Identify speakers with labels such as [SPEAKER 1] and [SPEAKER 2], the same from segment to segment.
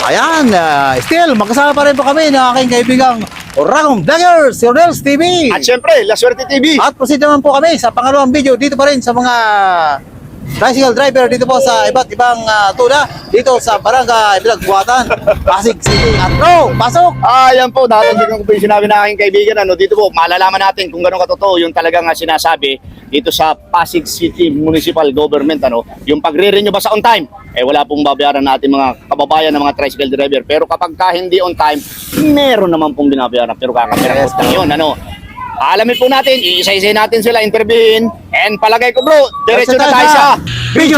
[SPEAKER 1] Ayan, still, magkasama pa rin po kami ng aking kaibigang Ragong Vloggers, si Rodels TV.
[SPEAKER 2] At syempre, La Suerte TV.
[SPEAKER 1] At proceed naman po kami sa pangalawang video dito pa rin sa mga tricycle driver dito po sa iba't ibang tuna dito sa Barangay Bilagbuatan, Pasig City. At bro, pasok!
[SPEAKER 2] Yan po, natatandaan ko po yung sinabi ng aking kaibigan. Dito po, malalaman natin kung gano'ng katotoo yung talagang sinasabi dito sa Pasig City Municipal Government. Yung pagre-renew ba sa on time? Wala pong babayaran natin mga kababayan ng mga tricycle driver. Pero kapag hindi on time, meron naman pong binabayaran. Pero kakapirang lang yun. Alamin po natin, iisa-isa natin sila, interviewin. And palagay ko bro, diretso na tayo sa video!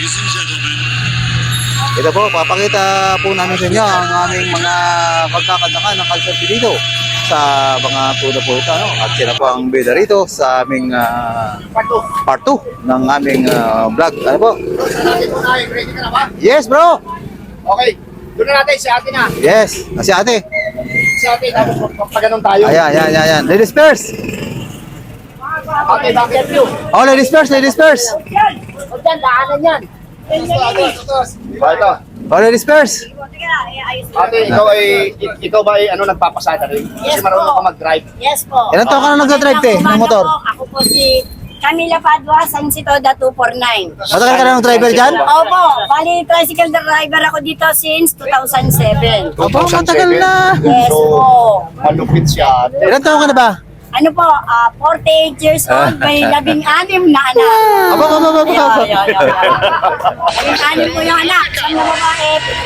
[SPEAKER 1] Ito po, papakita po namin sa inyo ang aming mga pagkakantakan ng kalsati dito sa mga tuna po ito. At sila po ang bida rito sa aming part 2 ng aming vlog. Ano po?
[SPEAKER 2] Ready ka na ba?
[SPEAKER 1] Yes bro!
[SPEAKER 2] Okay, doon na natin si ate na.
[SPEAKER 1] Yes, si ate.
[SPEAKER 2] Si ate, tapos pagpaganon tayo.
[SPEAKER 1] Ayan. Ladies first!
[SPEAKER 2] Ate, bakit you?
[SPEAKER 1] Oh, ladies first, ladies first!
[SPEAKER 3] Huwag dyan, daanan yan.
[SPEAKER 2] Ito.
[SPEAKER 1] Oh, ladies first!
[SPEAKER 2] Ate, ikaw ba ay nagpapasada rin? Kasi
[SPEAKER 3] Yes
[SPEAKER 2] marunong
[SPEAKER 3] po.
[SPEAKER 2] ka mag-drive.
[SPEAKER 3] Yes po.
[SPEAKER 1] Ilan taon ka na nagdadrive te, ng motor?
[SPEAKER 3] Ako po si Camila Padua, San Sitoda 249.
[SPEAKER 1] Matagal ka na ng driver dyan?
[SPEAKER 3] Opo, bali tricycle driver ako dito since 2007.
[SPEAKER 1] Opo, matagal na.
[SPEAKER 3] Yes po.
[SPEAKER 2] Malupit siya ate.
[SPEAKER 1] Ilan taon ka na ba?
[SPEAKER 3] Ano po, 48 years old, may 16 na anak.
[SPEAKER 1] Aba.
[SPEAKER 3] 16 po yung anak, isang na babae.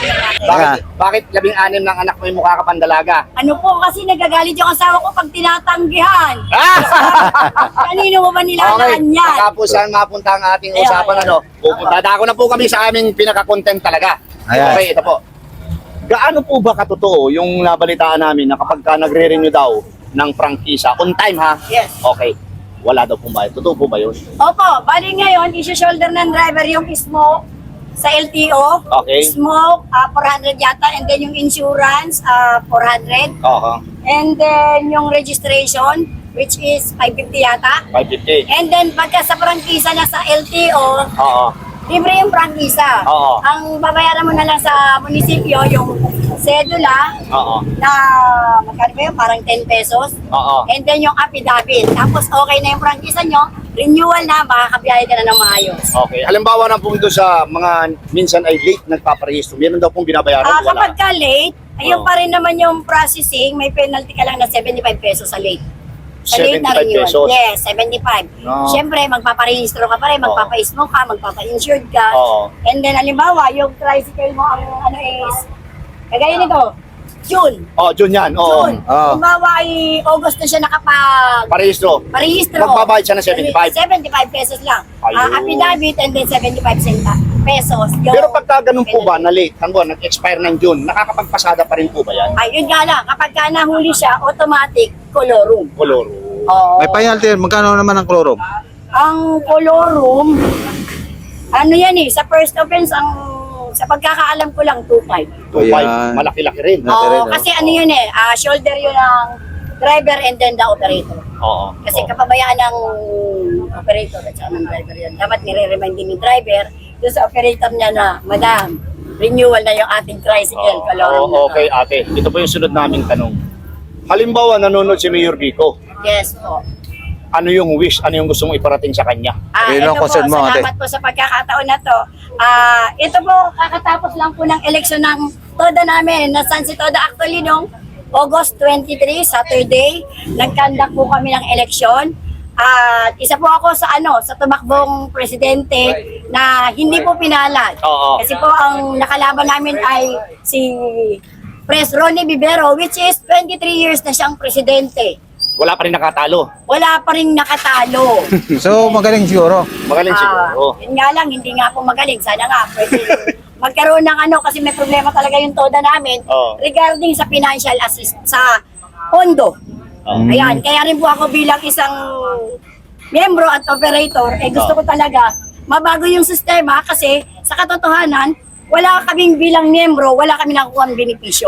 [SPEAKER 2] Bakit 16 ng anak mo yung mukha ka pandalaga?
[SPEAKER 3] Ano po, kasi nagagalit yung asawa ko pag tinatanggihan. Kanino mo ba nilalaan yan?
[SPEAKER 2] Tapos saan mapunta ang ating
[SPEAKER 3] Ayan,
[SPEAKER 2] usapan
[SPEAKER 3] ayan.
[SPEAKER 2] Pupunta na ako na po kami sa aming pinaka-content talaga.
[SPEAKER 1] Ayan.
[SPEAKER 2] Okay, ito po. Gaano po ba katotoo yung nabalitaan namin na kapag ka nagre-renew daw ng prangkisa, on time ha?
[SPEAKER 3] Yes.
[SPEAKER 2] Okay. Wala daw pong bayad. Totoo po ba yun?
[SPEAKER 3] Opo, bali ngayon, isi-shoulder ng driver yung smoke sa LTO.
[SPEAKER 2] Okay.
[SPEAKER 3] Smoke, 400 yata. And then yung insurance, 400.
[SPEAKER 2] Oo.
[SPEAKER 3] And then yung registration, which is 550 yata.
[SPEAKER 2] 550.
[SPEAKER 3] And then pagka sa prangkisa na sa LTO,
[SPEAKER 2] Oo.
[SPEAKER 3] libre yung prangkisa.
[SPEAKER 2] Oo.
[SPEAKER 3] Ang babayaran mo na lang sa munisipyo, yung sedula,
[SPEAKER 2] Oo.
[SPEAKER 3] na magkano ba yun? Parang 10 pesos.
[SPEAKER 2] Oo.
[SPEAKER 3] And then yung affidavit. Tapos okay na yung prangkisa nyo, renewal na, makakabiyahe ka na ng maayos.
[SPEAKER 2] Okay. Halimbawa na po doon sa mga minsan ay late nagpaparehistro. Meron daw pong binabayaran. Wala.
[SPEAKER 3] Kapag ka late, ayun
[SPEAKER 2] Oo.
[SPEAKER 3] pa rin naman yung processing, may penalty ka lang na 75 pesos sa late. Sa late na
[SPEAKER 2] 75
[SPEAKER 3] renewal.
[SPEAKER 2] pesos?
[SPEAKER 3] Yes, 75.
[SPEAKER 2] No.
[SPEAKER 3] Siyempre, magpaparehistro ka pa rin, magpapa-smoke ka, magpapa-insured ka.
[SPEAKER 2] Oo.
[SPEAKER 3] And then, halimbawa, yung tricycle mo, ang ano is, kagaya nito, June.
[SPEAKER 2] June yan. Oo.
[SPEAKER 3] June.
[SPEAKER 1] Oo.
[SPEAKER 3] Halimbawa, ay August na siya nakapag
[SPEAKER 2] Parehistro.
[SPEAKER 3] parehistro.
[SPEAKER 2] Magbabayad siya ng 75.
[SPEAKER 3] 75 pesos lang.
[SPEAKER 2] Ayun.
[SPEAKER 3] Affidavit and then 75 pesos. Yung,
[SPEAKER 2] Pero pagka ganun po ba na late, nag-expire ng June, nakakapagpasada pa rin po ba yan?
[SPEAKER 3] Ayun nga lang, kapag ka nahuli siya, automatic colorum.
[SPEAKER 2] Color.
[SPEAKER 3] Oo.
[SPEAKER 1] May penalty, magkano naman ang chloro?
[SPEAKER 3] Ang colorum, ano yan eh, sa first offense, sa pagkakaalam ko lang, 2.5.
[SPEAKER 1] Ayan.
[SPEAKER 2] Malaki-laki rin.
[SPEAKER 1] Malaki
[SPEAKER 3] Oo,
[SPEAKER 1] rin, no?
[SPEAKER 3] kasi ano yun eh, shoulder yun ng driver and then the operator.
[SPEAKER 2] Oo.
[SPEAKER 3] Kasi kapabayaan ng operator at saka ng driver yun. Dapat nire-remind din yung driver doon sa operator niya na, Madam, renewal na yung ating tricycle. Colorum na to."
[SPEAKER 2] Okay, ate. Ito po yung sunod naming tanong. Halimbawa, nanonood si Mayor Vico.
[SPEAKER 3] Yes po.
[SPEAKER 2] Ano yung wish? Ano yung gusto mong iparating sa kanya?
[SPEAKER 1] Yun
[SPEAKER 3] Ito
[SPEAKER 1] ang
[SPEAKER 3] po,
[SPEAKER 1] concern mo, ate.
[SPEAKER 3] salamat po sa pagkakataon na to. Ito po, kakatapos lang po ng eleksyon ng Toda namin, na San Sitoda. Actually, nung August 23, Saturday, nagkandak po kami ng eleksyon. At isa po ako sa sa tumakbong presidente na hindi po pinalad.
[SPEAKER 2] Oo.
[SPEAKER 3] Kasi po ang nakalaban namin ay si Pres Ronnie Vivero, which is 23 years na siyang presidente.
[SPEAKER 2] Wala pa rin nakatalo.
[SPEAKER 3] Wala pa rin nakatalo.
[SPEAKER 1] So, magaling siguro.
[SPEAKER 2] Magaling siguro.
[SPEAKER 3] Yun nga lang, hindi nga po magaling. Sana nga, pwede magkaroon ng kasi may problema talaga yung Toda namin
[SPEAKER 2] Oo.
[SPEAKER 3] regarding sa financial assist sa pondo.
[SPEAKER 2] Oo.
[SPEAKER 3] Ayan, kaya rin po ako bilang isang miyembro at operator, gusto ko talaga mabago yung sistema kasi sa katotohanan, wala kaming bilang miyembro, wala kami nakukuha ng benepisyo.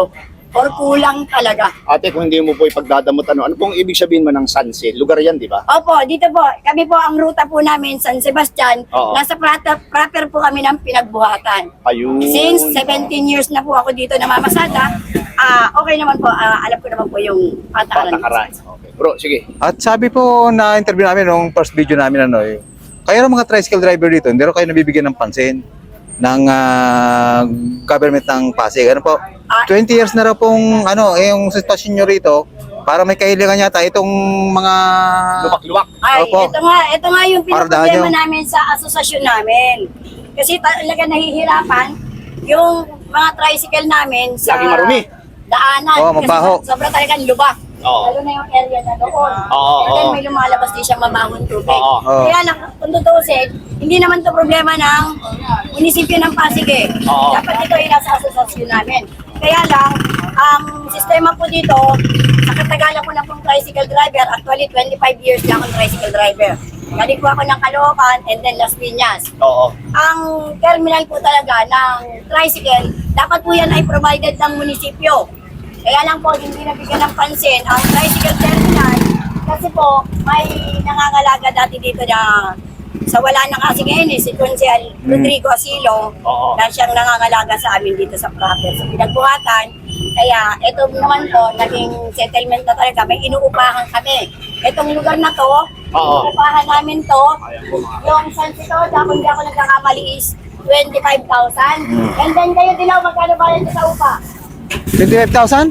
[SPEAKER 3] or kulang talaga.
[SPEAKER 2] Ate, kung hindi mo po ipagdadamot, ano pong ibig sabihin mo ng Sanse? Lugar yan, di ba?
[SPEAKER 3] Opo, dito po, kami po ang ruta po namin, San Sebastian.
[SPEAKER 2] Oo.
[SPEAKER 3] Nasa proper po kami ng pinagbuhatan.
[SPEAKER 2] Ayun.
[SPEAKER 3] Since 17 years na po ako dito namamasada, okay naman po, alam ko naman po yung patakaran.
[SPEAKER 2] Patakaran. Okay. Bro, sige.
[SPEAKER 1] At sabi po na interview namin nung first video namin kayo ng mga tricycle driver dito, hindi rin kayo nabibigyan ng pansin ng government ng Pasig. Ano po? 20 years na raw pong yung sitwasyon nyo rito para may kahilingan yata itong mga
[SPEAKER 2] Luwak-luwak.
[SPEAKER 3] Ay,
[SPEAKER 1] Opo.
[SPEAKER 3] ito nga yung
[SPEAKER 1] Pardahan
[SPEAKER 3] pinaproblema
[SPEAKER 1] nyo.
[SPEAKER 3] namin sa asosasyon namin. Kasi talaga nahihirapan yung mga tricycle namin sa
[SPEAKER 2] Laging marumi.
[SPEAKER 3] daanan.
[SPEAKER 1] Oo, mabaho.
[SPEAKER 3] Kasi sobra talagang lubak.
[SPEAKER 2] Oo.
[SPEAKER 3] Lalo na yung area na doon.
[SPEAKER 2] Oo,
[SPEAKER 3] And then
[SPEAKER 2] oo.
[SPEAKER 3] may lumalabas din siya mabahong tubig.
[SPEAKER 2] Oo.
[SPEAKER 1] Oo.
[SPEAKER 3] Kaya lang, kung tutusin, hindi naman to problema ng munisipyo ng Pasig eh.
[SPEAKER 2] Oo.
[SPEAKER 3] Dapat ito ay nasa asosasyon namin. Kaya lang, ang sistema po dito, sa katagalan ko na pong tricycle driver, actually 25 years na akong tricycle driver. Galing po ako ng Caloocan and then Las Piñas.
[SPEAKER 2] Oo.
[SPEAKER 3] Ang terminal po talaga ng tricycle, dapat po yan ay provided ng munisipyo. Kaya lang po, hindi nabigyan ng pansin ang tricycle terminal kasi po, may nangangalaga dati dito na sa wala na kasi ngayon si Consial Rodrigo Asilo
[SPEAKER 2] Oo.
[SPEAKER 3] na siyang nangangalaga sa amin dito sa proper sa pinagbuhatan. Kaya ito naman po, naging settlement na talaga, may inuupahan kami. Itong lugar na to,
[SPEAKER 2] Oo.
[SPEAKER 3] inuupahan namin to, yung San Sitoda, kung di ako nagkakamali is 25,000. And then kayo dilaw, magkano bayad nyo sa upa?
[SPEAKER 1] 25,000?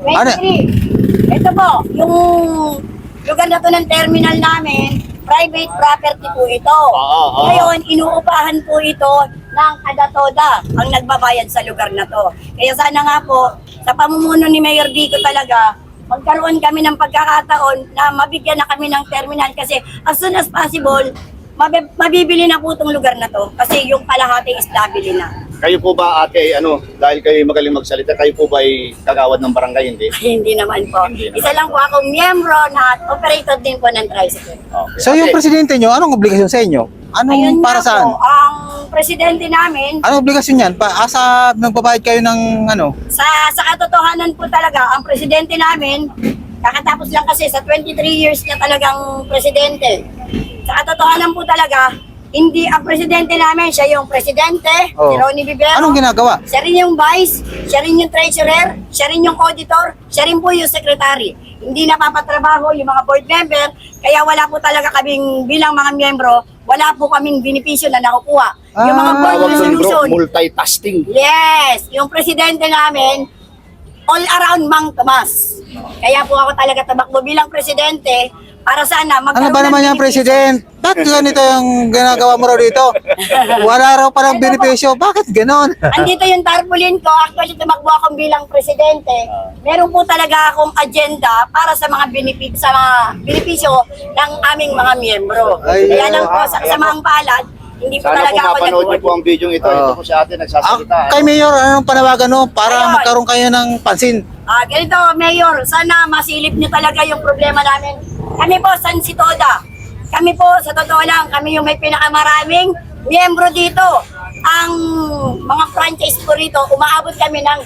[SPEAKER 3] 23. Ito po, yung lugar na to ng terminal namin, private property po ito.
[SPEAKER 2] Oo.
[SPEAKER 3] Ngayon, inuupahan po ito ng Adatoda ang nagbabayad sa lugar na to. Kaya sana nga po, sa pamumuno ni Mayor Dico talaga, magkaroon kami ng pagkakataon na mabigyan na kami ng terminal kasi as soon as possible, mabibili na po itong lugar na to kasi yung kalahating is nabili na.
[SPEAKER 2] Kayo po ba, ate, dahil kayo magaling magsalita, kayo po ba ay kagawad ng barangay, hindi?
[SPEAKER 3] Hindi naman po.
[SPEAKER 2] Hindi naman.
[SPEAKER 3] Isa lang po akong miyembro na operator din po ng tricycle.
[SPEAKER 2] Okay.
[SPEAKER 1] So yung
[SPEAKER 2] Ate,
[SPEAKER 1] presidente nyo, anong obligasyon sa inyo? Anong
[SPEAKER 3] Ayun
[SPEAKER 1] para
[SPEAKER 3] nga
[SPEAKER 1] saan?
[SPEAKER 3] po, ang presidente namin,
[SPEAKER 1] Anong obligasyon yan? Asa nagbabayad kayo ng
[SPEAKER 3] sa katotohanan po talaga, ang presidente namin, kakatapos lang kasi sa 23 years niya talagang presidente. Sa katotohanan po talaga, hindi ang presidente namin, siya yung presidente,
[SPEAKER 1] Oh.
[SPEAKER 3] si Ronnie Vivero.
[SPEAKER 1] Anong ginagawa?
[SPEAKER 3] Siya rin yung vice, siya rin yung treasurer, siya rin yung auditor, siya rin po yung secretary. Hindi napapatrabaho yung mga board member, kaya wala po talaga kaming bilang mga miyembro, wala po kaming benepisyo na nakukuha. Yung mga board
[SPEAKER 2] tawag doon, bro,
[SPEAKER 3] resolution,
[SPEAKER 2] multitasking.
[SPEAKER 3] yes, yung presidente namin, all around Mang Tomas. Kaya po ako talaga tamakbo bilang presidente para sana
[SPEAKER 1] Ano
[SPEAKER 3] magkaroon
[SPEAKER 1] ba naman
[SPEAKER 3] ng
[SPEAKER 1] yung
[SPEAKER 3] benepisyo.
[SPEAKER 1] president? Bakit ganito yung ginagawa mo raw dito? Wala raw palang benepisyo. Bakit ganon?
[SPEAKER 3] Andito yung tarpaulin ko, actually tumakbo akong bilang presidente. Meron po talaga akong agenda para sa mga benepisyo ng aming mga miyembro.
[SPEAKER 1] Ay,
[SPEAKER 3] Kaya lang po, sa kasamaang palad, hindi po
[SPEAKER 2] Sana
[SPEAKER 3] talaga
[SPEAKER 2] po
[SPEAKER 3] ako
[SPEAKER 2] mapanood niyo po
[SPEAKER 3] nag-board.
[SPEAKER 2] ang video ito. Ito po si ate nagsasalita.
[SPEAKER 1] Kay Mayor, anong panawagan mo para
[SPEAKER 3] Ayun.
[SPEAKER 1] magkaroon kayo ng pansin?
[SPEAKER 3] Ganito, Mayor, sana masilip niyo talaga yung problema namin. Kami po, San Sitoda. Kami po, sa totoo lang, kami yung may pinakamaraming miyembro dito. Ang mga franchise po rito, umaabot kami ng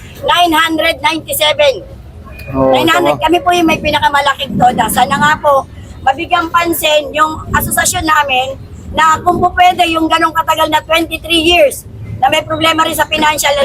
[SPEAKER 3] 997. 900, kami po yung may pinakamalaking toda. Sana nga po, mabigyang pansin yung asosasyon namin na kung po pwede yung ganong katagal na 23 years na may problema rin sa financial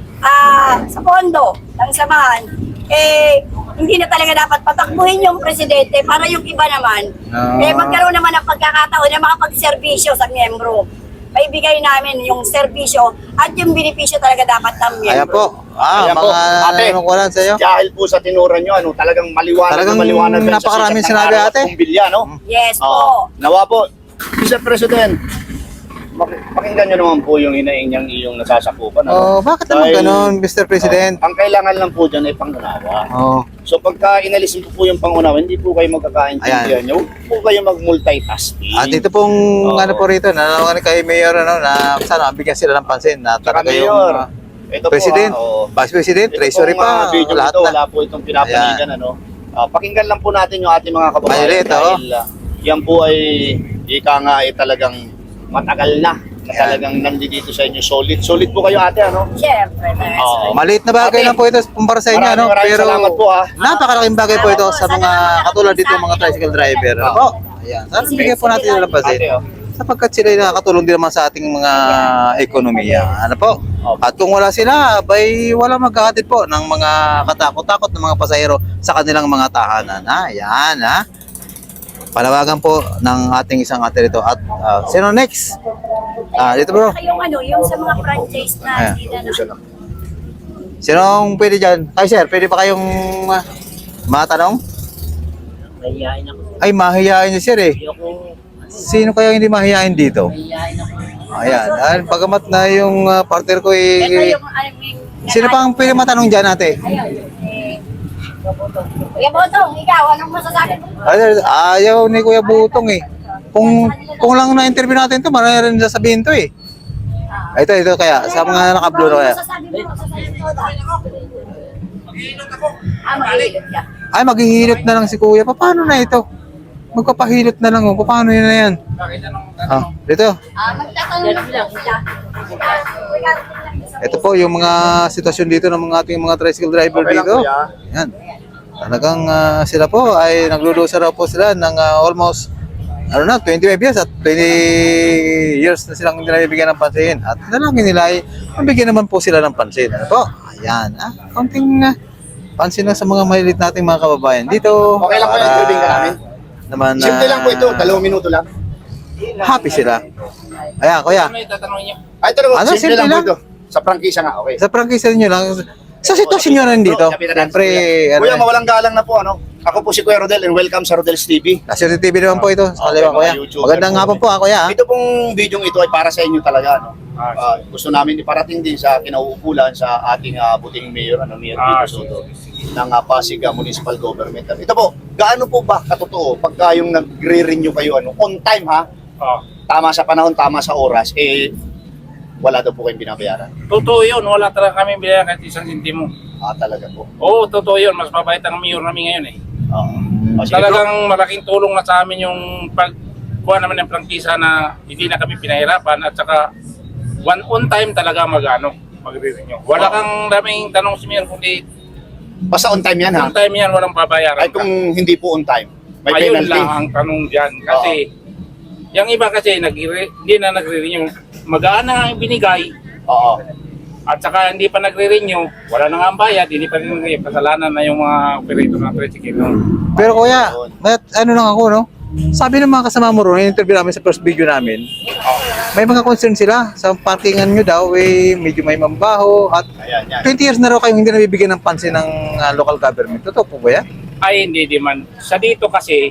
[SPEAKER 3] sa pondo ng samahan, hindi na talaga dapat patakbuhin yung presidente para yung iba naman, magkaroon naman ng pagkakataon na makapagserbisyo sa miyembro. Maibigay namin yung serbisyo at yung benepisyo talaga dapat ng miyembro.
[SPEAKER 1] Ayan po.
[SPEAKER 2] Ayan po. Ate,
[SPEAKER 1] Nanakulan sa iyo.
[SPEAKER 2] dahil po sa tinuran nyo, talagang maliwanag
[SPEAKER 1] Talagang
[SPEAKER 2] na maliwanag. yan sa
[SPEAKER 1] napakaraming
[SPEAKER 2] sikat ng
[SPEAKER 1] sinabi,
[SPEAKER 2] araw at
[SPEAKER 1] ate.
[SPEAKER 2] Bumbilya, no?
[SPEAKER 3] Yes
[SPEAKER 2] Oo.
[SPEAKER 3] po.
[SPEAKER 2] Nawa po, Mr. President, pakinggan nyo naman po yung hinaing niyang iyong nasasakupan.
[SPEAKER 1] Oh, bakit naman
[SPEAKER 2] Dahil,
[SPEAKER 1] ganon, Mr. President?
[SPEAKER 2] ang kailangan lang po dyan ay pangunawa.
[SPEAKER 1] Oh.
[SPEAKER 2] So pagka inalisin po yung pangunawa, hindi po kayo magkakaintindihan nyo. Huwag po kayo mag-multitasking.
[SPEAKER 1] At ito pong
[SPEAKER 2] Oo.
[SPEAKER 1] ano po rito, nanawagan kay Mayor na sana bigyan sila ng pansin na
[SPEAKER 2] Tsaka
[SPEAKER 1] talaga yung
[SPEAKER 2] Mayor, ito
[SPEAKER 1] President,
[SPEAKER 2] po,
[SPEAKER 1] Vice President,
[SPEAKER 2] ito
[SPEAKER 1] Treasury
[SPEAKER 2] pong,
[SPEAKER 1] pa,
[SPEAKER 2] video
[SPEAKER 1] lahat
[SPEAKER 2] ito,
[SPEAKER 1] na.
[SPEAKER 2] wala po itong pinapanigan. Pakinggan lang po natin yung ating mga kababayan
[SPEAKER 1] Violet,
[SPEAKER 2] dahil yan po ay ika nga ay talagang matagal na na talagang nandito sa inyo. Solid. Solid po kayo ate, ano?
[SPEAKER 3] Siyempre.
[SPEAKER 2] Oo.
[SPEAKER 1] Maliit na bagay
[SPEAKER 2] Ate,
[SPEAKER 1] lang po ito kumpara sa inyo, ano?
[SPEAKER 2] maraming
[SPEAKER 1] Pero
[SPEAKER 2] salamat po, ha.
[SPEAKER 1] napakalaking bagay po ito sa mga katulad dito mga tricycle driver. Ano po? Ayan. Sana bigyan po natin sila ng pansin.
[SPEAKER 2] Ate, oh.
[SPEAKER 1] Sapagkat sila ay nakakatulong din naman sa ating mga ekonomiya. Ano po? At kung wala sila, bay wala magkakatid po ng mga katakot-takot ng mga pasahero sa kanilang mga tahanan. Ayan, ha? Panawagan po ng ating isang ate rito. At sino next? Dito bro.
[SPEAKER 3] Yung ano, yung sa mga franchise na
[SPEAKER 1] Ayan.
[SPEAKER 3] hindi na
[SPEAKER 1] Sinong pwede dyan? Ay sir, pwede pa kayong matanong?
[SPEAKER 4] Mahihain ako.
[SPEAKER 1] Ay, mahihain niyo sir eh.
[SPEAKER 4] Ayoko,
[SPEAKER 1] Sino kaya hindi mahihain dito?
[SPEAKER 4] mahihain ako.
[SPEAKER 1] Ayan, pagamat na yung partner ko
[SPEAKER 3] Ito
[SPEAKER 1] eh.
[SPEAKER 3] yung aming...
[SPEAKER 1] Sino pang pwede matanong dyan ate?
[SPEAKER 3] Ayun, Kuya Botong, ikaw, anong masasabi mo?
[SPEAKER 1] Ayaw ni Kuya Butong eh. Kung lang na-interview natin to, marami rin sasabihin to eh. Ito kaya, sa mga naka-blue na kaya.
[SPEAKER 3] Masasabi mo, maghihilot ka.
[SPEAKER 1] Ay, maghihilot na lang si Kuya. Paano na ito? Magpapahilot na lang oh. Paano yun na yan? Dito.
[SPEAKER 3] Magtatanong lang sila.
[SPEAKER 1] Ito po yung mga sitwasyon dito ng mga ating mga tricycle driver
[SPEAKER 2] Okay lang,
[SPEAKER 1] dito.
[SPEAKER 2] kuya.
[SPEAKER 1] Yan. Talagang sila po ay naglulusa raw po sila ng almost 25 years at 20 years na silang hindi nabibigyan ng pansin. At nalangin nila ay mabigyan naman po sila ng pansin. Ano po? Ayan. Konting pansin lang sa mga malilit nating mga kababayan dito.
[SPEAKER 2] Okay lang po yung
[SPEAKER 1] para
[SPEAKER 2] tubig ka namin.
[SPEAKER 1] Naman,
[SPEAKER 2] Simple lang po ito, 2 minuto lang.
[SPEAKER 1] happy sila. Ayan, kuya.
[SPEAKER 4] Ano yung tatanong niyo?
[SPEAKER 2] Ay, ito
[SPEAKER 1] Ano,
[SPEAKER 2] simple lang po
[SPEAKER 1] simple
[SPEAKER 2] ito. Sa prangkisa nga, okay.
[SPEAKER 1] Sa prangkisa niyo lang. Sa sitwasyon nyo rin dito. Siyempre,
[SPEAKER 2] Kuya, mawalang galang na po, ano? Ako po si Kuya Rodel and welcome sa Rodel's TV.
[SPEAKER 1] Nasa TV naman po ito. Sa kaliwa,
[SPEAKER 2] Okay,
[SPEAKER 1] kuya.
[SPEAKER 2] mga YouTuber
[SPEAKER 1] Magandang
[SPEAKER 2] po.
[SPEAKER 1] hapon po, kuya.
[SPEAKER 2] Ito pong video ito ay para sa inyo talaga, no? Gusto namin iparating din sa kinauukulan sa ating buting mayor, Mayor Vito Soto, ng Pasig Municipal Government. Ito po, gaano po ba katotoo pagka yung nagre-renew kayo, on time ha? Tama sa panahon, tama sa oras, wala daw po kayong binabayaran.
[SPEAKER 4] Totoo yun, wala talaga kami bilang kahit isang sintimo.
[SPEAKER 2] Talaga po.
[SPEAKER 4] Oo, totoo yun, mas mabait ang mayor namin ngayon eh.
[SPEAKER 2] Sige, bro.
[SPEAKER 4] Talagang malaking tulong na sa amin yung pagkuha naman ng prangkisa na hindi na kami pinahirapan at saka on time talaga magre-renew. Wala kang daming tanong si mayor kundi
[SPEAKER 2] Basta on time yan ha?
[SPEAKER 4] on time yan, walang babayaran
[SPEAKER 2] Ay kung hindi po on time, may
[SPEAKER 4] Ayun
[SPEAKER 2] penalty.
[SPEAKER 4] lang ang tanong dyan. Kasi, yung iba kasi hindi na nagre-renew. Magaan na nga yung binigay,
[SPEAKER 2] Oo.
[SPEAKER 4] at saka hindi pa nagre-renew, wala na nga ang bayad, hindi pa rin nagre kasalanan na yung mga operator ng tricycle. No?
[SPEAKER 1] Pero kuya, ano lang ako, no? Sabi ng mga kasama mo ron, interview namin sa first video namin, may mga concern sila sa parkingan nyo daw, medyo may mambaho at
[SPEAKER 2] Ayan, yan.
[SPEAKER 1] 20 years na raw kayong hindi nabibigyan ng pansin ng local government. Totoo po ba yan?
[SPEAKER 4] Ay, hindi man. Sa dito kasi,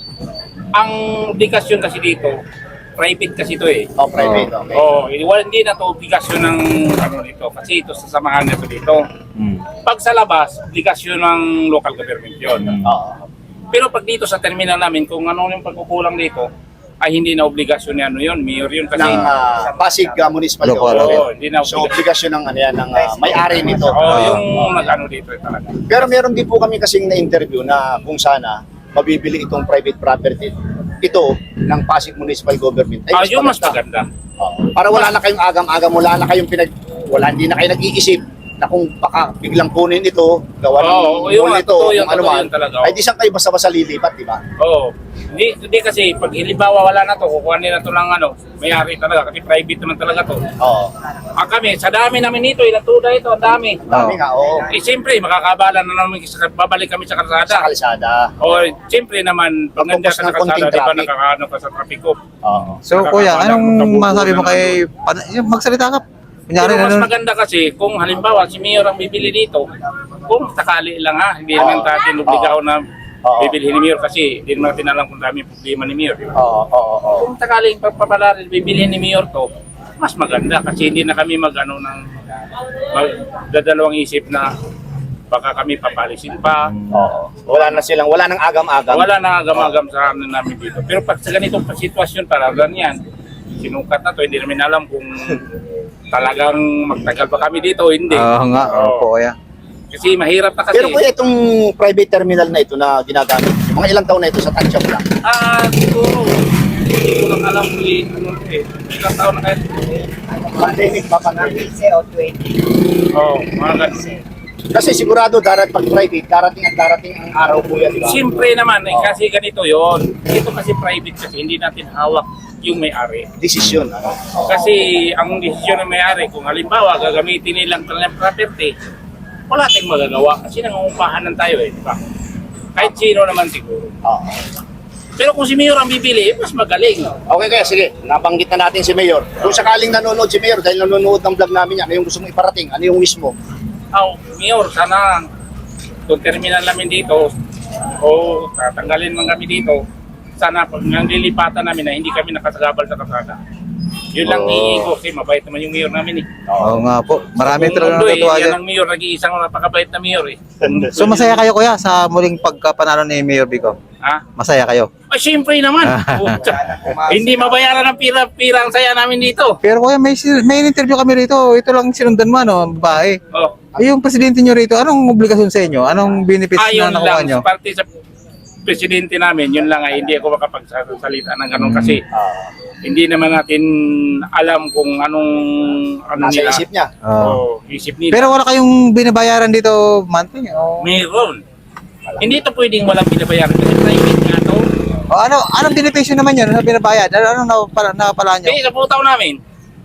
[SPEAKER 4] ang obligasyon kasi dito, private kasi ito eh.
[SPEAKER 2] Private, okay.
[SPEAKER 4] Hindi na to obligasyon ng dito kasi ito sa samahan nito dito.
[SPEAKER 1] Hmm.
[SPEAKER 4] Pag sa labas, obligasyon ng local government yun.
[SPEAKER 2] Oo.
[SPEAKER 4] Pero pag dito sa terminal namin, kung ano yung pagkukulang dito, ay hindi na obligasyon ni mayor yun kasi
[SPEAKER 2] Ng Pasig Municipal
[SPEAKER 1] Local,
[SPEAKER 2] Government.
[SPEAKER 4] Oo, hindi na
[SPEAKER 2] So, obligasyon ng may-ari nito.
[SPEAKER 4] yung nag-ano dito talaga.
[SPEAKER 2] Pero meron din po kami kasing na-interview na kung sana mabibili itong private property ito ng Pasig Municipal Government.
[SPEAKER 4] Yung mas maganda.
[SPEAKER 2] Para wala na kayong agam-agam, wala na kayong hindi na kayo nag-iisip na kung baka biglang kunin ito, gawa ng
[SPEAKER 4] yung
[SPEAKER 2] mall ito,
[SPEAKER 4] totoo yun,
[SPEAKER 2] kung ano
[SPEAKER 4] totoo
[SPEAKER 2] man,
[SPEAKER 4] yun talaga.
[SPEAKER 2] ay di saan kayo basta-basta lilipat, di ba?
[SPEAKER 4] Oo. Hindi kasi pag halimbawa wala na to, kukuha nila to ng may-ari talaga kasi private naman talaga to.
[SPEAKER 2] Oo.
[SPEAKER 4] Kami, sa dami namin dito, ilang tuda ito, ang dami.
[SPEAKER 2] Dami nga, oo.
[SPEAKER 4] Siyempre, makakabala na namin, babalik kami sa
[SPEAKER 2] Sa
[SPEAKER 4] kalsada.
[SPEAKER 2] kalsada.
[SPEAKER 4] Siyempre naman, pag nandiyan ka sa
[SPEAKER 2] Pagpupus ng konting
[SPEAKER 4] kalsada, di ba
[SPEAKER 2] traffic.
[SPEAKER 4] nakakaano ka sa traffic ko?
[SPEAKER 2] Oo.
[SPEAKER 1] So kuya, anong masabi mo kay... Magsalita ka. Kunyari,
[SPEAKER 4] Pero mas
[SPEAKER 1] ano?
[SPEAKER 4] maganda kasi kung halimbawa si Mayor ang bibili dito, kung sakali lang hindi naman natin obligaw na bibili ni Mayor kasi hindi naman natin alam kung dami problema ni Mayor. Di ba?
[SPEAKER 2] Oo.
[SPEAKER 4] Kung sakaling pagpapalaril bibili ni Mayor to, mas maganda kasi hindi na kami magdadalawang isip na baka kami papalisin pa.
[SPEAKER 2] Oo. Wala nang agam-agam.
[SPEAKER 4] Wala na agam-agam sa amin namin dito. Pero pag sa ganitong sitwasyon talaga yan, sinukat na to, hindi namin alam kung talagang magtagal pa kami dito, hindi.
[SPEAKER 1] Oo nga, opo kuya.
[SPEAKER 4] Kasi mahirap na kasi.
[SPEAKER 2] Pero kuya, itong private terminal na ito na ginagamit, mga ilang taon na ito sa tansya mo lang?
[SPEAKER 4] Siguro Hindi ko lang alam kung ilang taon na kayo.
[SPEAKER 2] Pandemic pa pa na.
[SPEAKER 3] 15 o 20.
[SPEAKER 4] Oo, mga ganun.
[SPEAKER 2] Kasi sigurado pag private, darating ang araw po yan, di ba?
[SPEAKER 4] Siyempre naman, kasi ganito yon. Ito kasi private kasi hindi natin hawak yung may-ari.
[SPEAKER 2] Desisyon.
[SPEAKER 4] Kasi ang desisyon ng may-ari, kung halimbawa gagamitin nilang kanilang property, wala tayong magagawa kasi nangungupahanan tayo di ba? Kahit sino naman siguro.
[SPEAKER 2] Oo.
[SPEAKER 4] Pero kung si Mayor ang bibili, mas magaling.
[SPEAKER 2] Okay, kaya sige, nabanggit na natin si Mayor. Kung sakaling nanonood si Mayor dahil nanonood ng vlog namin yan, ano yung gusto mong iparating? Ano yung wish mo?
[SPEAKER 4] Mayor, sana kung terminal namin dito o tatanggalin man kami dito, sana pag nanglilipatan namin na hindi kami nakasagabal sa kalsada. Yun lang hihingi ko kasi mabait naman yung mayor namin
[SPEAKER 1] Oo nga po. Marami talaga
[SPEAKER 4] Mundo,
[SPEAKER 1] natutuwa
[SPEAKER 4] yan
[SPEAKER 1] dyan.
[SPEAKER 4] ang mayor, nag-iisang napakabait na mayor
[SPEAKER 1] So masaya kayo kuya sa muling pagkapanalo ni Mayor Vico?
[SPEAKER 4] Ha?
[SPEAKER 1] Masaya kayo?
[SPEAKER 4] Siyempre naman. Pucha. Hindi mabayaran ng pira ang saya namin dito.
[SPEAKER 1] Pero kuya, may interview kami rito. Ito lang sinundan mo, ano, babae.
[SPEAKER 4] Oh.
[SPEAKER 1] Ay, yung presidente nyo rito, anong obligasyon sa inyo? Anong benefits
[SPEAKER 4] Ayun
[SPEAKER 1] na nakuha
[SPEAKER 4] lang,
[SPEAKER 1] nyo?
[SPEAKER 4] parte sa presidente namin, yun lang ay hindi ako makapagsalita ng ganun kasi hindi naman natin alam kung ano
[SPEAKER 2] Nasa
[SPEAKER 4] nila.
[SPEAKER 2] isip niya.
[SPEAKER 4] Isip nila.
[SPEAKER 1] Pero wala kayong binabayaran dito monthly? O
[SPEAKER 4] Mayroon. Hindi ito pwedeng walang binabayaran kasi private nga to.
[SPEAKER 1] anong benepisyo naman yun? Ano binabayad? Anong napapala nyo?
[SPEAKER 4] Kasi sa putaw namin.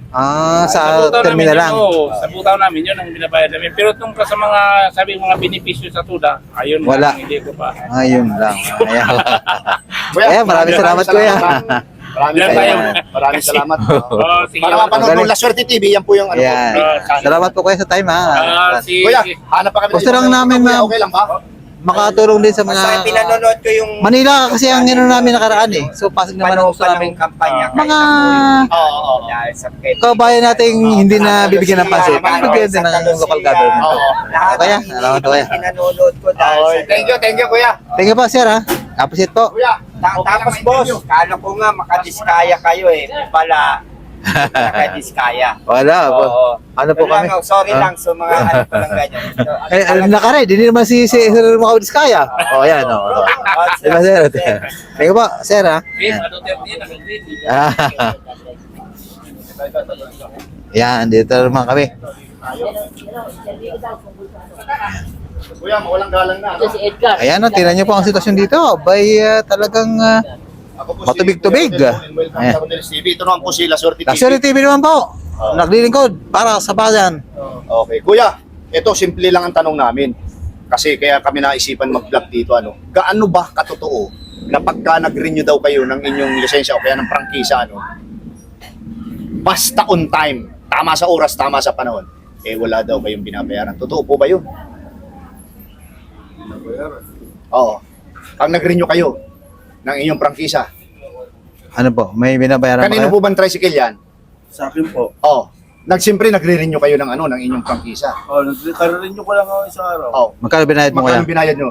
[SPEAKER 1] Sa
[SPEAKER 4] butaw
[SPEAKER 1] terminal lang.
[SPEAKER 4] Sa butaw namin, yun ang binabayad namin. Pero tungkol sa mga, sabi mga benepisyo sa tuda, ayun
[SPEAKER 1] Wala.
[SPEAKER 4] lang, hindi ko pa.
[SPEAKER 1] Ayun lang. Ayan.
[SPEAKER 2] Kuya,
[SPEAKER 1] Ayan, maraming salamat kuya.
[SPEAKER 2] Maraming
[SPEAKER 4] Yan
[SPEAKER 2] salamat.
[SPEAKER 4] tayo.
[SPEAKER 2] Maraming salamat.
[SPEAKER 4] Oh, sige.
[SPEAKER 2] Para mapanood
[SPEAKER 1] Galing.
[SPEAKER 2] ng La Suerte TV, yan po yung ano po.
[SPEAKER 1] Ayan.
[SPEAKER 4] Ah,
[SPEAKER 1] Salamat po kuya sa time ha.
[SPEAKER 2] Kuya, hanap pa kami.
[SPEAKER 1] Gusto lang namin,
[SPEAKER 2] Kuya,
[SPEAKER 1] ma'am.
[SPEAKER 2] okay lang ba?
[SPEAKER 1] Makatulong din sa
[SPEAKER 5] Basta
[SPEAKER 1] mga...
[SPEAKER 5] pinanonood ko yung
[SPEAKER 1] Manila kasi ang ano namin nakaraan eh. So pasig naman ang gusto namin.
[SPEAKER 5] kampanya.
[SPEAKER 1] Mga
[SPEAKER 2] Oo.
[SPEAKER 5] Dahil sa pet.
[SPEAKER 1] kabayan nating hindi na bibigyan ng pansin. Bibigyan din ng local government.
[SPEAKER 2] Oo.
[SPEAKER 1] Kaya, salamat kuya.
[SPEAKER 5] Pinanonood ko dahil
[SPEAKER 2] Okay, thank you kuya.
[SPEAKER 1] Thank you po sir ha. Appreciate po.
[SPEAKER 2] Kuya,
[SPEAKER 5] Tapos boss, kala ko nga makadiskaya kayo eh. Pala, nakadiskaya.
[SPEAKER 1] Wala po.
[SPEAKER 5] Oo.
[SPEAKER 1] Ano po
[SPEAKER 5] Wala
[SPEAKER 1] kami?
[SPEAKER 5] nga, sorry
[SPEAKER 1] Ah?
[SPEAKER 5] lang sa mga ano ko lang ganyan. So,
[SPEAKER 1] Nakared, hindi naman si Sir Makaudis kaya. O yan o. Diba sir? Thank you po sir ha. Ah. Yan, dito naman kami.
[SPEAKER 2] kuya, mawalang galang na.
[SPEAKER 1] Ayan o, tingnan niyo po ang sitwasyon dito. Bay, talagang
[SPEAKER 2] Ako po
[SPEAKER 1] matubig-tubig.
[SPEAKER 2] Kuya Rodel, welcome
[SPEAKER 1] Ayan.
[SPEAKER 2] sa Rodel's TV. Ito naman po si La Suerte TV.
[SPEAKER 1] Luxury TV naman po. Naglilingkod para sa bayan.
[SPEAKER 2] Okay, kuya, ito simple lang ang tanong namin. Kasi kaya kami naisipan mag-vlog dito, ano. Gaano ba katotoo na pagka nag-renew daw kayo ng inyong lisensya o kaya ng prangkisa, ano, basta on time, tama sa oras, tama sa panahon, wala daw kayong binabayaran. Totoo po ba yun? Oo. Pag nag-renew kayo ng inyong prangkisa,
[SPEAKER 1] Ano po, may binabayaran ba
[SPEAKER 2] kanino
[SPEAKER 1] kayo?
[SPEAKER 2] po bang tricycle yan?
[SPEAKER 6] Sa akin po.
[SPEAKER 2] Oo. Siyempre, nagre-renew kayo ng ano, ng inyong prangkisa.
[SPEAKER 6] Nagre-renew ko lang ako isang araw.
[SPEAKER 2] Oo.
[SPEAKER 1] Magkano binayad mo kuya?
[SPEAKER 2] Magkano binayad nyo?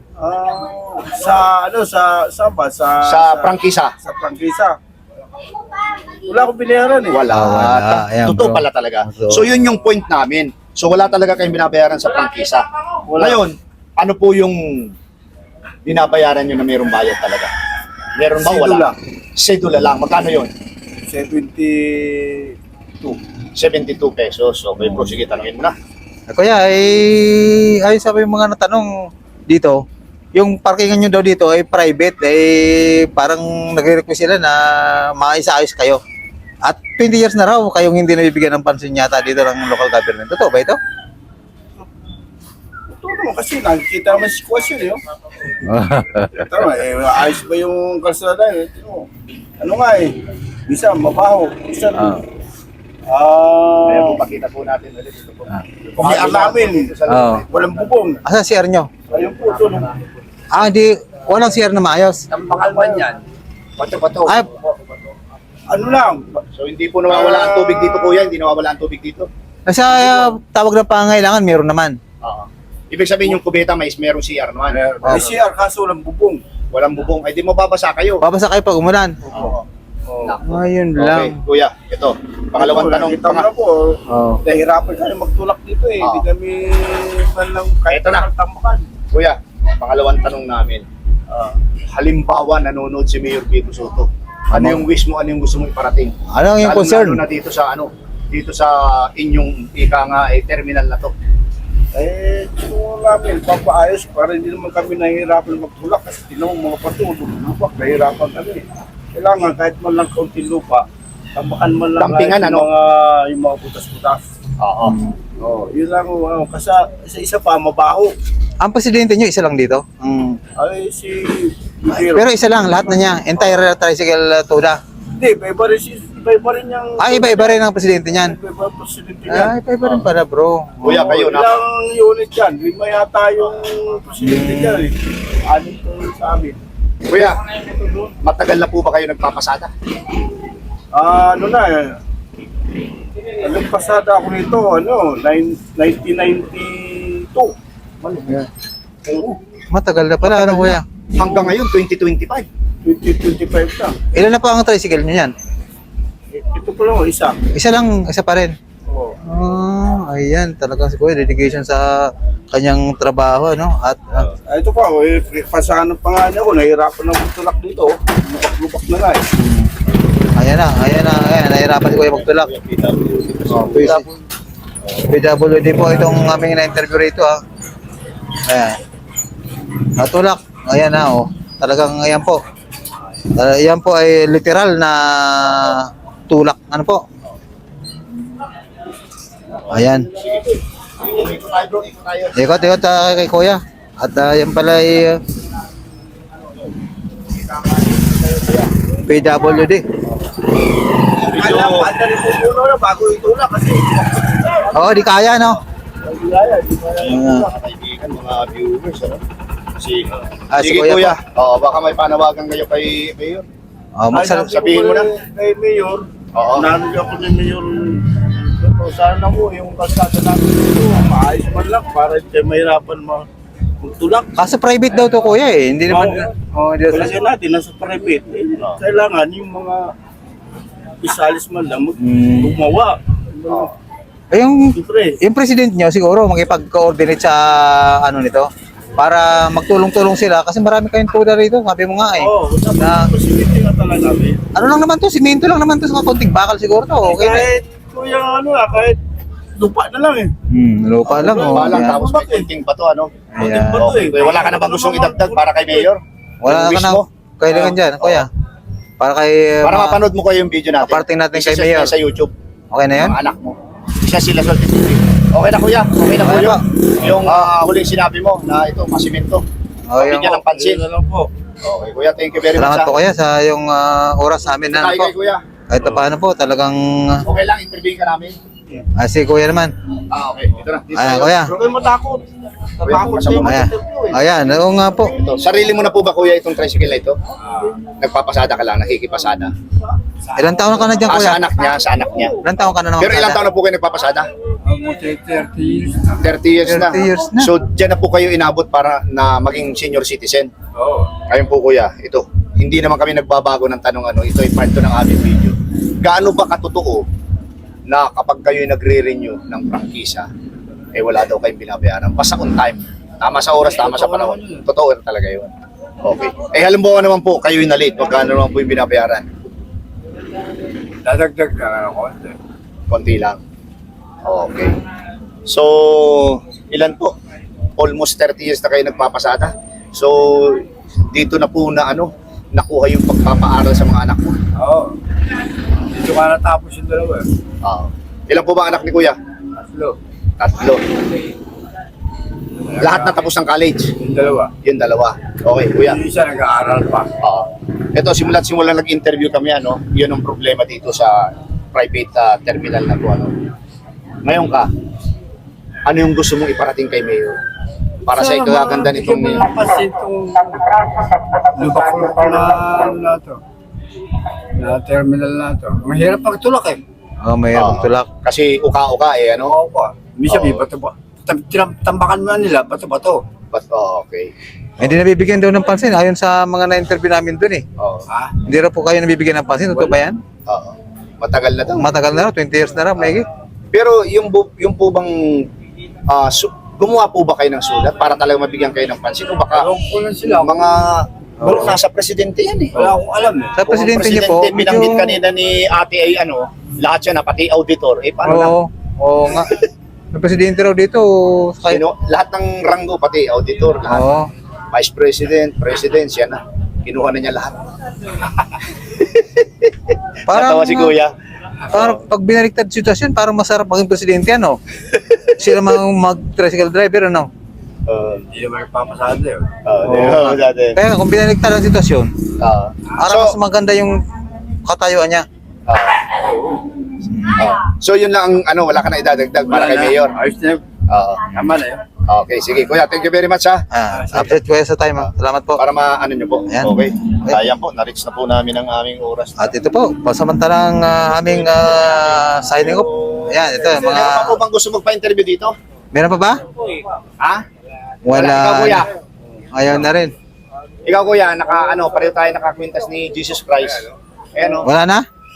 [SPEAKER 6] Sa
[SPEAKER 2] Prangkisa?
[SPEAKER 6] Sa prangkisa. Wala akong binayaran eh.
[SPEAKER 2] Wala.
[SPEAKER 1] wala. Ayan,
[SPEAKER 2] Totoo
[SPEAKER 1] bro.
[SPEAKER 2] pala talaga.
[SPEAKER 1] So-
[SPEAKER 2] So yun yung point namin. So wala talaga kayong binabayaran sa prangkisa.
[SPEAKER 6] Wala.
[SPEAKER 2] Ngayon, ano po yung binabayaran nyo na mayroong bayad talaga? Meron ba? Wala.
[SPEAKER 6] Sedula.
[SPEAKER 2] Sedula lang. Magkano yun?
[SPEAKER 6] 72.
[SPEAKER 2] 72 pesos. Okay bro, sige, tanongin mo na.
[SPEAKER 1] Kuya, ayun sabi yung mga natanong dito, yung parkingan nyo daw dito ay private, parang nagre-request sila na maisayos kayo. At 20 years na raw kayong hindi nabibigyan ng pansin yata dito ng local government. Totoo ba ito?
[SPEAKER 6] Ito naman kasi nakikita naman si sitwasyon eh. Tama ayos ba yung kalsada eh? Ano nga eh? Bisa mabaho. Bisa
[SPEAKER 2] Kaya po, pakita po natin ulit ito po.
[SPEAKER 6] Kung may namin,
[SPEAKER 1] Oo.
[SPEAKER 6] walang bubong.
[SPEAKER 1] Asa CR nyo?
[SPEAKER 6] Ayun po, ito.
[SPEAKER 1] Hindi, walang CR na maayos.
[SPEAKER 5] Tampangalman yan.
[SPEAKER 2] Pato-pato.
[SPEAKER 1] Ay,
[SPEAKER 6] Ano lang,
[SPEAKER 2] So hindi po nawawala ang tubig dito kuya, hindi nawawala ang tubig dito.
[SPEAKER 1] nasa tawag ng pangangailangan, meron naman.
[SPEAKER 2] Oo. Ibig sabihin yung kubeta may merong CR naman.
[SPEAKER 6] may CR kaso walang bubong.
[SPEAKER 2] Walang bubong. Ay di mababasa kayo.
[SPEAKER 1] Babasa kayo pag umulan.
[SPEAKER 2] Oo.
[SPEAKER 1] Ayun
[SPEAKER 2] Okay,
[SPEAKER 1] lang.
[SPEAKER 2] kuya, ito. Pangalawang tanong.
[SPEAKER 6] Kita mo na po,
[SPEAKER 1] Oh.
[SPEAKER 6] nahihirapan kami magtulak dito eh. Hindi
[SPEAKER 2] Oo.
[SPEAKER 6] kami man lang kahit
[SPEAKER 2] Ito na.
[SPEAKER 6] tambakan.
[SPEAKER 2] Kuya, pangalawang tanong namin. Halimbawa, nanonood si Mayor Vico Soto. Ano yung wish mo, ano yung gusto mong iparating?
[SPEAKER 1] Ano yung concern?
[SPEAKER 2] Lalo na dito sa inyong ika nga terminal na to.
[SPEAKER 6] Eh, gusto namin, papaayos para hindi naman kami nahihirapan magtulak kasi tinawang mga patulog, lupa, nahihirapan kami. Kailangan kahit man lang kaunting lupa, tambakan man lang
[SPEAKER 2] Tampingan,
[SPEAKER 6] kahit
[SPEAKER 2] ano?
[SPEAKER 6] yung mga butas-butas.
[SPEAKER 2] Oo.
[SPEAKER 6] Oh, yun lang, kasi isa pa, mabaho.
[SPEAKER 1] Ang presidente nyo, isa lang dito.
[SPEAKER 6] Ay, si...
[SPEAKER 1] Pero isa lang, lahat na niya. Entire tricycle Toda.
[SPEAKER 6] Hindi, iba rin yung...
[SPEAKER 1] Iba-iba rin ang presidente niyan.
[SPEAKER 6] Iba ang presidente niya.
[SPEAKER 1] Iba-iba rin pala, bro.
[SPEAKER 2] Kuya, kayo na.
[SPEAKER 6] Ilang unit yan? 5 yata yung presidente niya eh. 6 to sa amin.
[SPEAKER 2] Kuya, matagal na po ba kayo nagpapasada?
[SPEAKER 6] Ano na eh. Anong pasada ako nito, 1992. Oo,
[SPEAKER 1] Matagal na pala, ano kuya?
[SPEAKER 2] Hanggang ngayon, 2025.
[SPEAKER 6] 2025 na.
[SPEAKER 1] Ilan na po ang tricycle nyo yan?
[SPEAKER 6] Ito pa lang, isa.
[SPEAKER 1] Isa pa rin.
[SPEAKER 6] Oo.
[SPEAKER 1] Ayan, talagang si kuya, dedication sa kanyang trabaho, no? At
[SPEAKER 6] Ito pa, pasahan pa nga niya ako, nahihirapan na magtulak dito. Lubak-lubak na nga eh.
[SPEAKER 1] ayan, nahirapan si kuya magtulak. PWD po itong aming na-interview rito, ha. Ayan. Natulak. Ayan na, oh. Talagang, ayan po. Ayan po ay literal na tulak. Ano po? Ayan. Ikot kay kuya. At yan pala ay PWD.
[SPEAKER 6] Alam, anda rin po muna na bago itulak kasi.
[SPEAKER 1] Oo, di kaya, no?
[SPEAKER 6] Hindi kaya, di kaya.
[SPEAKER 1] Ayan.
[SPEAKER 2] Kaibigan, mga viewers, ano?
[SPEAKER 1] Si
[SPEAKER 2] Sige,
[SPEAKER 1] kuya
[SPEAKER 2] kuya. Oo, baka may panawagan kayo kay Mayor. Sabihin mo na.
[SPEAKER 6] Kay Mayor,
[SPEAKER 2] Oo.
[SPEAKER 6] narinig ako ni Mayor. Ito, sana mo yung kalsada namin dito, maayos man lang para hindi tayo mahirapan magtulak.
[SPEAKER 1] Kaso private daw to kuya eh. Hindi naman. Hindi
[SPEAKER 6] Palagyan natin, nasa private. Kailangan yung mga isalis man lang gumawa.
[SPEAKER 1] yung
[SPEAKER 6] Siyempre,
[SPEAKER 1] yung president niyo siguro makipag-coordinate sa ano nito para magtulong-tulong sila kasi marami kayong tuda rito. Sabi mo nga eh.
[SPEAKER 6] na posibility na talaga namin.
[SPEAKER 1] Ano lang naman to, simento lang naman to sa konting bakal siguro to. Okay na.
[SPEAKER 6] Kahit, kuya, kahit lupa na lang eh.
[SPEAKER 1] Lupa lang oh.
[SPEAKER 2] Balang,
[SPEAKER 1] Ayan.
[SPEAKER 2] tapos may kunting bato, ano?
[SPEAKER 1] Ayan.
[SPEAKER 2] Okay, kuya, wala ka na bang gustong idagdag para kay Mayor?
[SPEAKER 1] Wala
[SPEAKER 2] Yung
[SPEAKER 1] ka
[SPEAKER 2] wish
[SPEAKER 1] na.
[SPEAKER 2] mo?
[SPEAKER 1] Kailangan dyan, kuya. Para kay
[SPEAKER 2] Para mapanood mo kayo yung video natin.
[SPEAKER 1] Aparting natin
[SPEAKER 2] Isa
[SPEAKER 1] kay Mayor.
[SPEAKER 2] sa YouTube.
[SPEAKER 1] Okay na yan?
[SPEAKER 2] Mga anak mo. Isa sila sa TV. Okay na kuya, okay na
[SPEAKER 1] Okay
[SPEAKER 2] kuya.
[SPEAKER 1] pa.
[SPEAKER 2] Yung huling sinabi mo na ito, masimento. Bigyan ng pansin.
[SPEAKER 6] Yun na lang po.
[SPEAKER 2] Okay kuya, thank you very much.
[SPEAKER 1] Salamat po kuya sa yung oras namin na
[SPEAKER 2] Tayo
[SPEAKER 1] ano po.
[SPEAKER 2] kay kuya.
[SPEAKER 1] Kahit pa paano po talagang
[SPEAKER 2] Okay lang, interview ka namin.
[SPEAKER 1] si kuya naman.
[SPEAKER 2] Okay, ito na. Dito
[SPEAKER 1] Ayan
[SPEAKER 2] tayo.
[SPEAKER 1] kuya.
[SPEAKER 6] Huwag kayong matakot. Natakot kayo
[SPEAKER 1] Ayan.
[SPEAKER 6] mag-interview eh.
[SPEAKER 1] Ayan, oo nga po.
[SPEAKER 2] Ito, sarili mo na po ba kuya itong tricycle na ito? Nagpapasada ka lang, nakikipasada.
[SPEAKER 1] Ilang taon ka na dyan kuya?
[SPEAKER 2] Sa anak niya, sa anak niya.
[SPEAKER 1] Ilang taon ka na naman?
[SPEAKER 2] Pero ilang taon na po kayo nagpapasada?
[SPEAKER 6] 30 years.
[SPEAKER 2] 30 years na.
[SPEAKER 1] 30 years na.
[SPEAKER 2] So, dyan na po kayo inabot para na maging senior citizen.
[SPEAKER 6] Oo.
[SPEAKER 2] Ayun po kuya, ito. Hindi naman kami nagbabago ng tanong ano, ito ay part 2 ng aming video. Gaano ba katotoo na kapag kayo nagre-renew ng prangkisa, eh wala daw kayong binabayaran. Basta on time. Tama sa oras, tama sa panahon. Totoo talaga yun. Okay. Eh halimbawa naman po, kayo yung na-late, magkano naman po yung binabayaran?
[SPEAKER 6] Dadagdag na ako.
[SPEAKER 2] Konti lang. Okay. So, ilan po? Almost 30 years na kayo nagpapasada. So, dito na po na nakuha yung pagpapaaral sa mga anak mo.
[SPEAKER 6] Oo. Dito ka natapos yung dalawa eh.
[SPEAKER 2] Ilan po ba anak ni kuya?
[SPEAKER 6] Tatlo.
[SPEAKER 2] 3. Lahat na tapos ng college.
[SPEAKER 6] Yung dalawa.
[SPEAKER 2] Yung 2. Okay, kuya.
[SPEAKER 6] Yung isa nag-aaral pa.
[SPEAKER 2] Ito, simula nag-interview kami, yun ang problema dito sa private terminal na to. Ngayon ka, ano yung gusto mong iparating kay Mayor? Para sa ikagaganda nitong Mayor.
[SPEAKER 6] Kasi itong lubak-lubak na to. Na terminal na to. Mahirap pagtulak eh.
[SPEAKER 1] Oh, may tulak.
[SPEAKER 2] Kasi uka-uka
[SPEAKER 6] Oo pa. Minsan may
[SPEAKER 2] Oo.
[SPEAKER 6] bato ba? Tambakan mo nila, bato-bato.
[SPEAKER 2] But, okay.
[SPEAKER 1] Hindi nabibigyan daw ng pansin ayon sa mga na-interview namin dun eh.
[SPEAKER 6] Ha?
[SPEAKER 1] Hindi raw po kayo nabibigyan ng pansin. Totoo ba yan?
[SPEAKER 2] Matagal na to.
[SPEAKER 1] Matagal na raw, 20 years na raw, may
[SPEAKER 2] Pero yung po bang gumawa po ba kayo ng sulat para talaga mabigyan kayo ng pansin o baka
[SPEAKER 6] Ewan ko lang sila.
[SPEAKER 2] mga Bro, nasa presidente yan eh.
[SPEAKER 5] Wala akong alam eh.
[SPEAKER 1] Sa presidente niyo po,
[SPEAKER 2] Presidente, binanggit kanina ni ate ay ano, lahat siya na, pati auditor. Eh, paano na?
[SPEAKER 1] Oo nga. Ang presidente raw dito, kay...
[SPEAKER 2] Lahat ng ranggo, pati auditor, lahat.
[SPEAKER 1] Oo.
[SPEAKER 2] Vice President, President, siya na. Kinuha na niya lahat. Natawa si Kuya.
[SPEAKER 1] Parang pag binaliktad sitwasyon, parang masarap maging presidente, ano? Sila mag-tricycle driver, ano?
[SPEAKER 5] Hindi naman nagpapasado eh.
[SPEAKER 2] Di ba, dati?
[SPEAKER 1] Kaya kung binaliktad ang sitwasyon, parang mas
[SPEAKER 2] So,
[SPEAKER 1] maganda yung katayuan niya.
[SPEAKER 2] so yun lang ang ano, wala ka na idadagdag para kay Mayor.
[SPEAKER 5] Ayos na yun. Tama na yun.
[SPEAKER 2] Okay, sige. Kuya, thank you very much ha.
[SPEAKER 1] Update ko sa time, ha? Salamat po.
[SPEAKER 2] Para maano nyo po.
[SPEAKER 1] Ayan.
[SPEAKER 2] Okay. Ayan po, na-reach na po namin ang aming oras.
[SPEAKER 1] At ito po, pasamantalang aming signing off. Ayan, ito yung mga...
[SPEAKER 2] Meron pa po bang gusto magpa-interview dito?
[SPEAKER 1] Meron pa ba?
[SPEAKER 2] Ha?
[SPEAKER 1] Wala.
[SPEAKER 2] Ikaw, Kuya.
[SPEAKER 1] Ayaw na rin.
[SPEAKER 2] Ikaw, Kuya, pareho tayo nakakwintas ni Jesus Christ. Ayan o.
[SPEAKER 1] Wala na?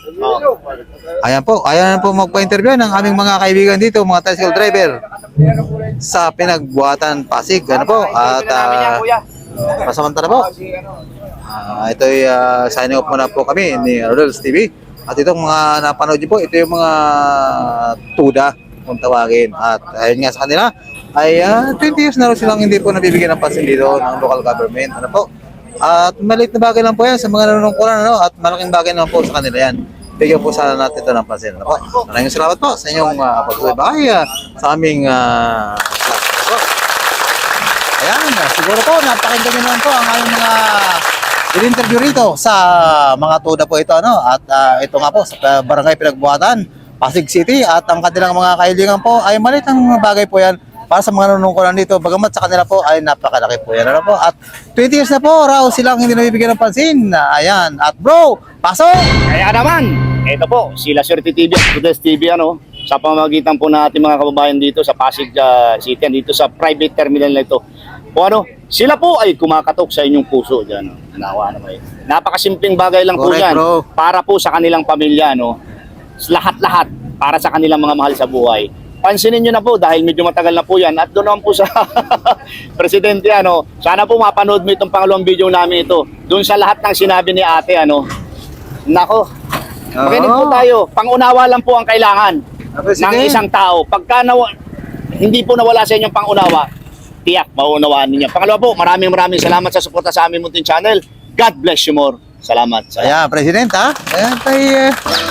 [SPEAKER 1] Ayan po, ayaw na po magpa-interview ng aming mga kaibigan dito, mga tricycle driver sa Pinagbuhatan, Pasig. Ano po? At pasamantala po. Ito ay signing off muna po kami ni Rodels TV. At itong mga napanood niyo po, ito yung mga tuda kung tawagin. At ayun nga sa kanila, ay 20 years na rin silang hindi po nabibigyan ng pansin dito ng local government. Ano po? At maliit na bagay lang po yan sa mga nanunungkulan, ano? At malaking bagay naman po sa kanila yan. Bigyan po sana natin ito ng pansin. Ano po? Maraming salamat po sa inyong pagsubaybay sa aming vlog. Ayan, siguro po napakinggan nyo naman po ang aming mga in-interview rito sa mga tuda po ito, ano? At ito nga po sa Barangay Pinagbuhatan, Pasig City, at ang kanilang mga kaibigan po ay maliit ang bagay po yan para sa mga nanunungkulan dito, bagamat sa kanila po ay napakalaki po yan, ano po? At 20 years na po raw silang hindi nabibigyan ng pansin. Ayan, at bro, pasok!
[SPEAKER 2] Kaya naman, ito po, sila Swerte TV at Rodels TV, ano, sa pamamagitan po natin mga kababayan dito sa Pasig City, dito sa private terminal na ito. O ano, sila po ay kumakatok sa inyong puso dyan. Nawa naman. Napakasimpleng bagay lang po
[SPEAKER 1] Correct,
[SPEAKER 2] yan.
[SPEAKER 1] bro.
[SPEAKER 2] Para po sa kanilang pamilya, no? Lahat-lahat para sa kanilang mga mahal sa buhay. Pansinin nyo na po dahil medyo matagal na po yan. At doon naman po sa presidente, ano, sana po mapanood mo itong pangalawang video namin ito. Doon sa lahat ng sinabi ni ate, ano, nako, makinig po tayo. Pangunawa lang po ang kailangan ng isang tao. Pagka hindi po nawala sa inyong pangunawa, tiyak, maunawaan ninyo. Pangalawa po, maraming salamat sa suporta sa aming munting channel. God bless you more. Salamat.
[SPEAKER 1] Ayan, President, ha? Ayan, tayo,